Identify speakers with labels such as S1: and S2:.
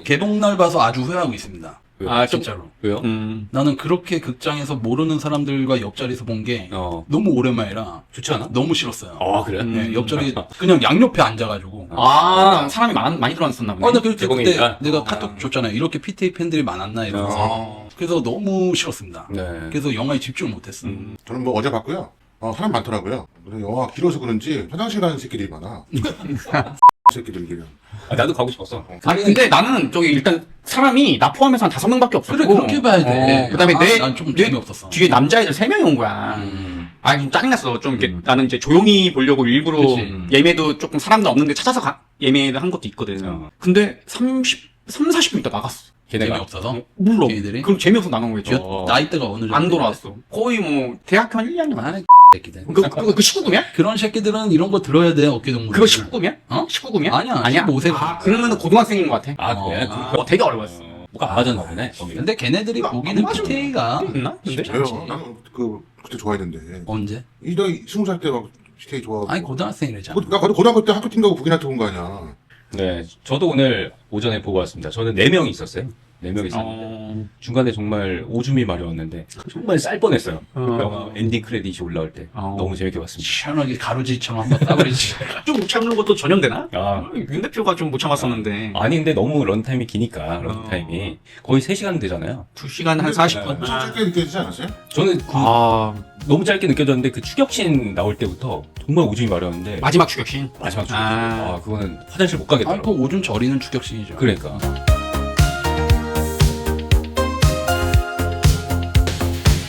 S1: 개봉날 봐서 아주 후회하고 있습니다.
S2: 왜요?
S3: 아,
S1: 진짜로.
S2: 왜요?
S1: 나는 그렇게 극장에서 모르는 사람들과 옆자리에서 본 게 너무 오랜만이라
S2: 좋지 않아?
S1: 너무 싫었어요.
S2: 아, 그래?
S1: 네, 옆자리 그냥 양옆에 앉아가지고.
S3: 사람이 많이 들어왔었나 보네.
S1: 나 그때
S2: 개봉이니까?
S1: 내가 카톡 줬잖아요. 이렇게 PTA 팬들이 많았나 이러면서. 그래서 너무 싫었습니다.
S2: 네.
S1: 그래서 영화에 집중을 못했어.
S4: 저는 뭐 어제 봤고요. 사람 많더라고요. 그래서 영화가 길어서 그런지 화장실 가는 새끼들이 많아. 새끼들 이게.
S2: 나도 가고 싶었어.
S3: 아니, 근데 나는 저기 일단 사람이 나 포함해서 한 5명밖에 없었고.
S1: 그래, 그렇게 봐야 돼.
S3: 그다음에
S1: 난 좀
S3: 내
S1: 재미없었어.
S3: 뒤에 남자애들 3명이 온 거야. 아니, 좀 짜증났어. 좀 이렇게 나는 이제 조용히 보려고 일부러
S1: 그치.
S3: 예매도 조금 사람도 없는데 찾아서 예매를 한 것도 있거든. 근데 40분 있다 나갔어.
S2: 걔네가
S1: 재미없어서?
S3: 몰라.
S1: 걔네들이?
S3: 그럼 재미없어 나간 거겠지.
S1: 나이대가 어느 정도?
S3: 안 돌아왔어. 거의 뭐 대학교 한 1년 정도.
S1: 아, 새끼들.
S3: 그 19금이야?
S1: 그런 새끼들은 이런 거 들어야 돼, 어깨동무.
S3: 그거 19금이야?
S1: 어?
S3: 19금이야?
S1: 아니야, 15세.
S3: 그러면은 고등학생인 것 같아.
S2: 그래?
S3: 되게 어려웠어.
S2: 뭐가 안 맞았나 보네. 거기는.
S1: 근데 걔네들이 보기는 PTA가
S3: 있나? 근데?
S4: 왜요? 나는 그때 좋아했는데.
S1: 언제?
S4: 나 20살 때 막 스테이 좋아하고.
S1: 아니 고등학생이래잖아.
S4: 나 고등학교 때 학교 팀 가고 북이나 태운 거 아니야.
S2: 네. 저도 오늘 오전에 보고 왔습니다. 저는 4명이 있었어요. 4명이 있었는데. 중간에 정말 오줌이 마려웠는데 정말 쌀 뻔했어요. 영화 엔딩 크레딧이 올라올 때. 너무 재밌게 봤습니다.
S1: 시원하게 가루지처럼 한번 따버리지.
S3: 좀 못 참는 것도 전염되나?
S2: 아.
S3: 윤 대표가 좀 못 참았었는데.
S2: 아니 근데 너무 런타임이 기니까 런타임이 거의 3시간 되잖아요.
S3: 2시간 한 40분.
S4: 좀 짧게 느껴지지 않았어요?
S2: 저는 너무 짧게 느껴졌는데 그 추격신 나올 때부터 정말 오줌이 마려웠는데
S3: 마지막 추격신.
S2: 마지막 추격신. 그거는 화장실 못 가겠더라고.
S1: 그 오줌 저리는 추격신이죠.
S2: 그러니까.